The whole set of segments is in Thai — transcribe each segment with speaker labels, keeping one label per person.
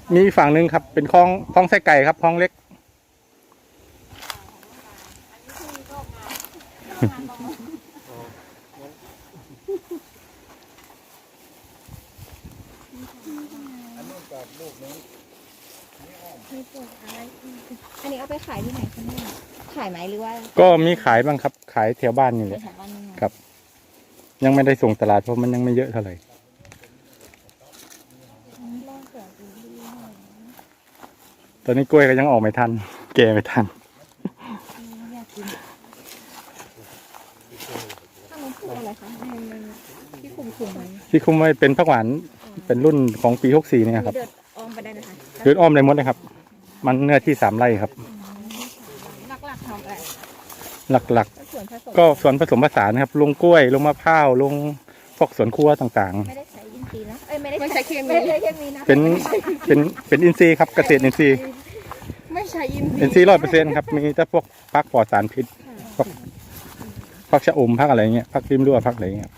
Speaker 1: มีฝั่งหนึ่งครับเป็นคลองไส้ไก่ครับคลองเล็ก
Speaker 2: อันนี้เอาไปขายที่ไหนคะเนี่ยขายไหมหรือว่า
Speaker 1: ก็มีขายบ้างครับขายแถวบ้านนี่แหละครับยังไม่ได้ส่งตลาดเพราะมันยังไม่เยอะเท่าไหร่ตอนนี้กล้วยก็ยังออกไม่ทันแก่ไม่ทัน
Speaker 2: อะไรคะที่คุมไว้
Speaker 1: ที่คุมไว้เป็นผักหวานเป็นรุ่นของปี64เนี่ยครับ
Speaker 2: เดินอ้อมไปได้นะคะ
Speaker 1: เดินอ้อมได้หมดเลยครับมันเนื้อที่3 ไร่ครับ
Speaker 2: หลักๆทำอะไร
Speaker 1: หลักๆก็ส่วนผสมผสานครับลงกล้วยลงมะพร้าวลงพวกสวนครัวต่างๆ
Speaker 2: ไม่ได้ใช้อินทรีย์นะไม่ได้ใช้เคมีนะ
Speaker 1: เป็นอินทรีย์ครับเกษตรอินทรีย์
Speaker 2: ไม่ใช่อิ
Speaker 1: นทรีย์100%ครับมีแต่พวกผักปลอดสารพิษผักชะอมผักอะไรเงี้ยผักริมรั้วผักอะไรเงี้ย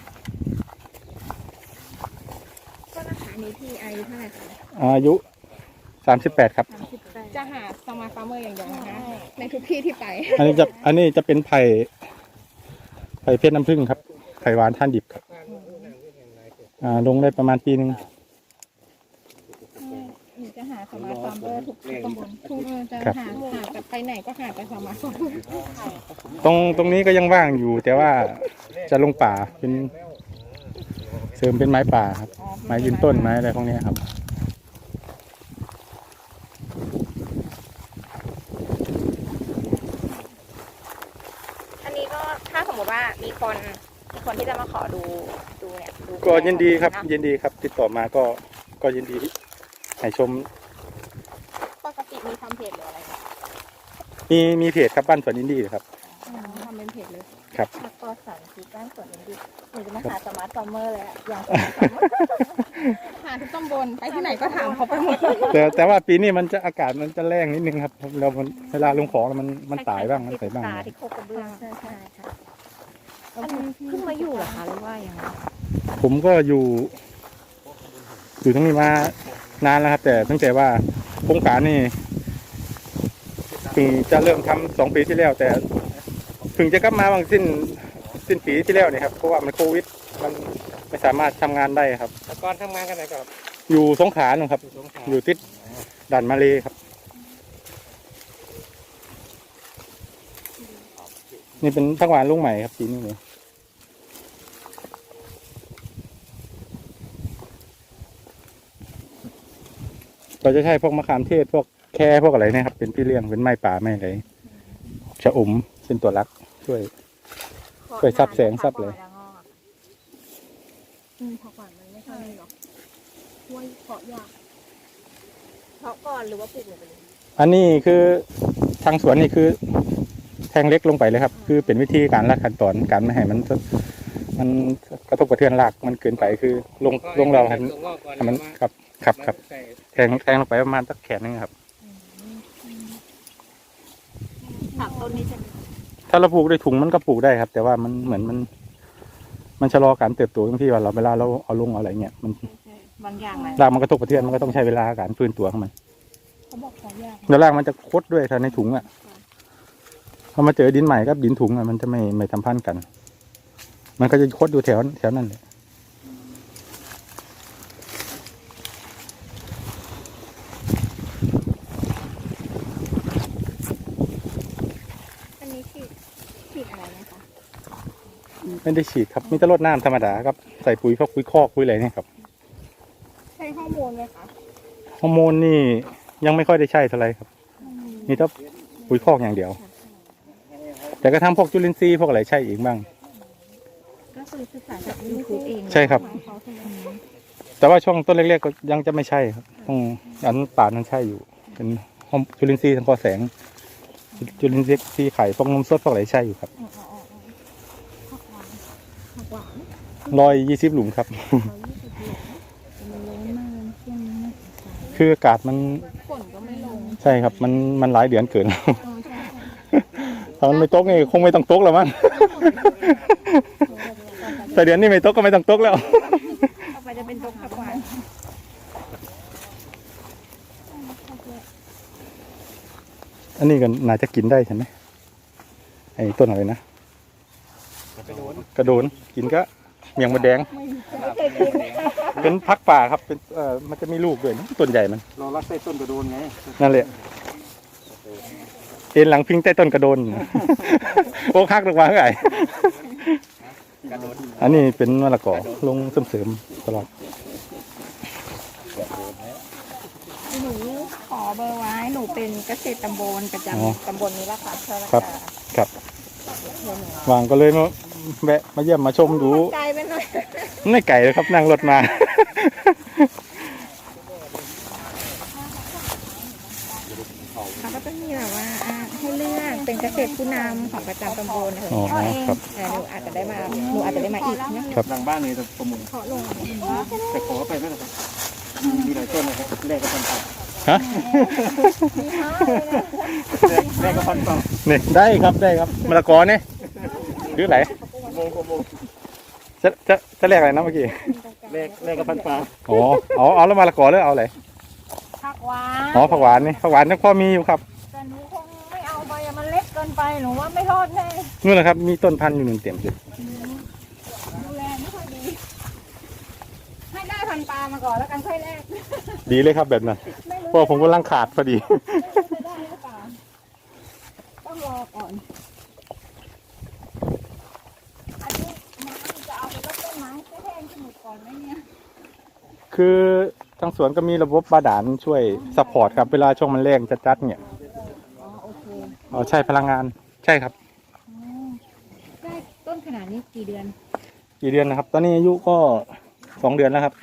Speaker 2: ก็ราคานี้ที่อายุเท่าไหร่คะ
Speaker 1: อายุ38ครับ
Speaker 2: จะหาสมาร์ทฟาร์มเมอร์อย่างเดียวนะคะในทุกที่ที่ไป
Speaker 1: อันนี้จะเป็นไผ่เพชรน้ำผึ้งครับไผ่หวานท่านดิบครับลงได้ประมาณปีนึง
Speaker 2: จะหาสมาร์ทฟาร์มเมอร์ทุกตำบลทุกจะหาไปไหนก็หาไปสมาร์ทฟาร์มเมอร์
Speaker 1: ตรงนี้ก็ยังว่างอยู่แต่ว่าจะลงป่าเป็นเสริมเป็นไม้ป่าครับไม้ยืนต้นไม้อะไรพวกนี้ครับ
Speaker 2: อันนี้ก็ถ้าสมมติว่ามีคนที่จะมาขอดูเนี่ย
Speaker 1: ก็ยินดีครับยินดีครับติดต่อมาก็ยินดีให้ชม
Speaker 2: ปกติมีทำเพจหรืออะไร
Speaker 1: มีเพจครับบ้านสวนอินดี้ครับ
Speaker 2: ทำเป็นเพจเลย
Speaker 1: ครับ
Speaker 2: ก็สั่งคือบ้านสวนอินดี้หนูจะมาหาสมาร์ทฟาร์มเมอร์เลยอย่างหาทุกตำบลไปที่ไหนก็ถามเขาไปหมด
Speaker 1: แต่ว่าปีนี้มันจะอากาศมันจะแรงนิดนึงครับเราเวลาลงของมันตายบ้างมันใส่บ้าง
Speaker 2: ที่โคกระเบื้องใช่ค่ะเพิ่งมาอยู่เหรอคะหรือว่ายังไง
Speaker 1: ผมก็อยู่ตรงนี้มานานแล้วครับแต่ตั้งแต่ว่าโครงการนี่เพิ่งจะเริ่มทำ2 ปีที่แล้วแต่เพิ่งจะกลับมาบางสิ้นปีที่แล้วเนี่ยครับเพราะว่ามันโควิดมันไม่สามารถทำงานได้ครับ
Speaker 3: แต่ก่อนทำงานกันไหนครับ
Speaker 1: อยู่สงขลาครับอยู่ติดด่านมาเลครับนี่เป็นผักหวานลุงใหม่ครับปีนี้เลยเราจะใช้พวกมะขามเทศพวกแค่พวกอะไรนะครับเป็นพี่เลี้ยงเป็นไม้ป่าไม้อะไรชะอมเป็นตัวรักช่วยซับแสงซับเลย
Speaker 2: ผักหวานมันไม่ใช่หรอกห้วยเพาะยากเพาะก่อนหรือว่าปลูกลงไปเลย
Speaker 1: อันนี้คือทางสวนนี่คือแทงเล็กลงไปเลยครับคือเป็นวิธีการละขั้นตอนการไม่ให้มันกระทบกระเทือนรากมันเกินไปคือลงเราให้มันครับแทงลงไปประมาณสักแขนนึงครับ
Speaker 2: ผักต้นนี้จะ
Speaker 1: ถ้าเราปลูกด้วยถุงมันก็ปลูกได้ครับแต่ว่ามันเหมือนมันชะลอการเติบโตตรงที่ว่าเวลาเราเอาลงอะไรเงี้ยมัน
Speaker 2: บางอย่าง
Speaker 1: รากมันกระทบกระเทือนมันก็ต้องใช้เวลาการฟื้นตัวของมัน
Speaker 2: เขาบอก2 อย่าง
Speaker 1: แล้วรากมันจะคดด้วยถ้าในถุงอ่ะพอมาเจอดินใหม่กับดินถุงอ่ะมันจะไม่สัมพันธ์กันมันก็จะคดอยู่แถวนั้นเลย
Speaker 2: อันนี้ฉีดอะไรนะคะ
Speaker 1: ไม่ได้ฉีดครับมีแต่รดน้ำธรรมดาครับใส่ปุ๋ยพวกปุ๋ยคอกปุ๋ยอะไรเนี่ยครับ
Speaker 2: ใช้ฮอร์โมนไหมคะ
Speaker 1: ฮอร์โมนนี่ยังไม่ค่อยได้ใช้เท่าไหร่ครับนี่ต้องปุ๋ยคอกอย่างเดียวแต่ก็ทำพวกจุลินทรีย์พวกอะไรใช่อีกบ้าง
Speaker 2: ก็คือศึกษาจากยูทูบเอง
Speaker 1: ใช่ครับแต่ว่าช่วงต้นเล็กๆก็ยังจะไม่ใช่ครับต้องอันป่านั้นใช่อยู่เป็นจุลินทรีย์ทางกอแสงจุลินทรีย์ไข่พวกนมสดพวกอะไรใช่อยู่ครับ120 หลุมครับคืออากาศมัน
Speaker 2: ฝนก็ไม่ลง
Speaker 1: ใช่ครับมันหลายเดือนเกินถ้ามันไม่ตกนี่คงไม่ต้องตกแล้วมั้งแต่เดือนนี้ไม่ตกก็ไม่ต้องตกแล้ว
Speaker 2: ต่อไปจะเป็นตกผักหวาน
Speaker 1: อันนี้ก็น่าจะกินได้ใช่ไหมไอ้ต้นอะไรนะกระโดนกินก็เมียงมดแดง
Speaker 2: ไม่เคยกิน
Speaker 1: เป็นพักป่าครับเป็นมันจะมีลูกด้วยนะต้นใหญ่มัน
Speaker 3: เรารักใส่ต้นกระโดนไง
Speaker 1: นั่นแหละเอ็นหลังพิงใต้ต้นกระโดน โอ้คักลงมาเท่าไหร่อันนี้เป็นมะละกอลงเสริมๆตลอด
Speaker 2: หนูขอเบอร์ไว้ หนูเป็นเกษตรตำบลประจำตำบลนี้ละค่ะเชิญละ
Speaker 1: ครับ
Speaker 2: ค่ะ
Speaker 1: ครับ
Speaker 2: เดี๋ยวหนู
Speaker 1: วางก็เลยมาแวะมาเยี่ยมมาชมดู
Speaker 2: ไกลไปหน่อย
Speaker 1: ไม่ไกลเลยครับนั่งรถมา
Speaker 2: เขาก็จะมีแบบว่าให้เลือกเป็นเกษตรผู้นำของประจำตำบลนะคะ
Speaker 1: อ๋อครับ
Speaker 2: หนูอาจจะได้มาอีกนะครับ
Speaker 3: หลังบ้านเลยประมุน
Speaker 2: ขอลง
Speaker 3: แต่ขอไปไม่ได้ครับมีหลายต้นนะครับแรกก็พัน
Speaker 1: ฮะ
Speaker 3: แรกก็พันต่อ
Speaker 1: นี่ได้ครับได้ครับมะละกอเนี่ยหรือไหน
Speaker 3: โมง
Speaker 1: จะแลกอะไรนะเมื่อกี้
Speaker 3: แรกก็พันปลา
Speaker 1: อ๋อเอาแล้วมะละกอหรือเอาอะไร
Speaker 2: ผักหวาน
Speaker 1: อ๋อผักหวานนี่ผักหวานยังพอมีอยู่ครับ
Speaker 2: แต่หนูคงไม่เอาไปอะมันเล็กเกินไปหนูว่าไม่รอดแน่
Speaker 1: นู่นแหละครับมีต้นพันธุ์อยู่หนึ่งเต็มเลย
Speaker 2: ดูแลไม่ค่อยดี ให้ได้พันปลามาก่อนแล้วกันค่อยแลก
Speaker 1: ดีเลยครับแบบนั้น
Speaker 2: ไม่รู้
Speaker 1: เพราะผมกำลังขาดพอดี
Speaker 2: จะได้หรือเปล่าต้องรอก่อน อันนี้น้ำจะเอาไปรดต้นไม้ให้แห้งสมุดก่อนไหมเนี่ย
Speaker 1: คือทางสวนก็มีระบบบาดาลช่วยซัพพอร์ตครับเวลาช่วงมันแรงจัดๆเนี่ย
Speaker 2: อ๋อโอเค
Speaker 1: อ๋อใช่พลังงานใช่ครับ
Speaker 2: อ๋อได้ต้นขนาดนี้กี่เดือน
Speaker 1: กี่เดือนนะครับ ตอนนี้อายุก็2 เดือนแล้วครับ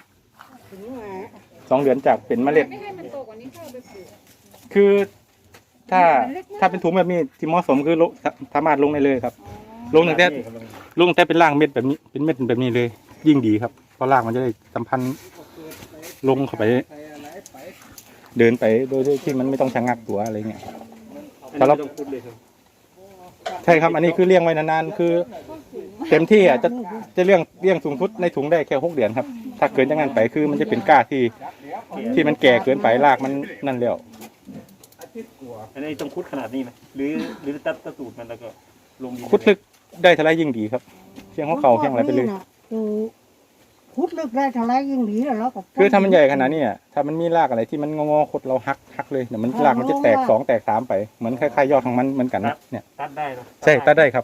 Speaker 1: 2 เดือนจากเป็นเมล็ด
Speaker 2: ไม่ให้มันโตกว่านี้เข้าไปปลูก
Speaker 1: คือถ้าเป็นถุงแบบนี้ที่เหมาะสมคือลงสามารถลงได้เลยครับ ลงตั้งแต่เป็นรากเม็ดแบบนี้เป็นเม็ดแบบนี้เลย ยิ่งดีครับเพราะรากมันจะได้สัมพันธ์ลงเข้าไป เดินไปโดยที่มันไม่ต้องชะงักตัวอะไรเงี้ย
Speaker 3: ถ้าเราต้องพูดเลยครับ
Speaker 1: ใช่ครับ อันนี้คือเลี้ยงไว้นานๆคือเต็มที่อ่ะจะเลี้ยงสูงสุดในถุงได้แค่6 เดือนครับ ถ้าเกินจากนั้นไปคือมันจะเป็นก้าที่มันแก่เกินไปรากมันนั่นแล้ว
Speaker 3: อันนี้ต้องคุดขนาดนี้ไหมหรือตัดตูดมันแล้วก็ลงดิน
Speaker 1: คุดลึกได้เท่าไรยิ่งดีครับเชียงหัวเข่าเชียงอะไรไปเลย
Speaker 4: คือพุดลึกได้เท่าไรยิ่งดีแล้วก็
Speaker 1: คือถ้ามันใหญ่ขนาดนี้อ่ะถ้ามันมีรากอะไรที่มันงอๆคดเราหักเลยเดี๋ยวมันรากมันจะแตก2แตก3ไปเหมือนคล้ายๆยอดของมันเหมือนกันนะเนี่ย
Speaker 3: ตัดได้เนาะ
Speaker 1: ใช่ตัดได้ครับ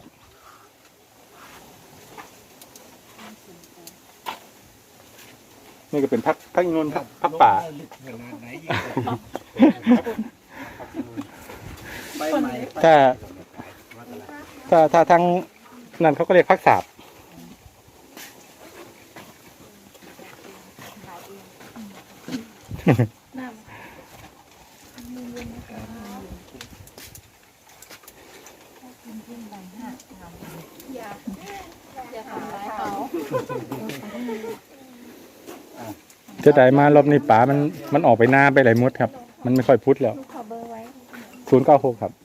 Speaker 1: นี่ก็เป็นพักอินนท์พักป่า
Speaker 3: ใบใหม่
Speaker 1: ถ้าทางนั่นเขาก็เรียกพักสาบ
Speaker 2: อย่าทำร้ายเขา
Speaker 1: จะได้มารอบนี้ป่ามันออกไปหน้าไปไหลายมดครับ มันไม่ค่อยพุทธแล้ว
Speaker 2: ขอเบอร์ไว้
Speaker 1: 096ครับ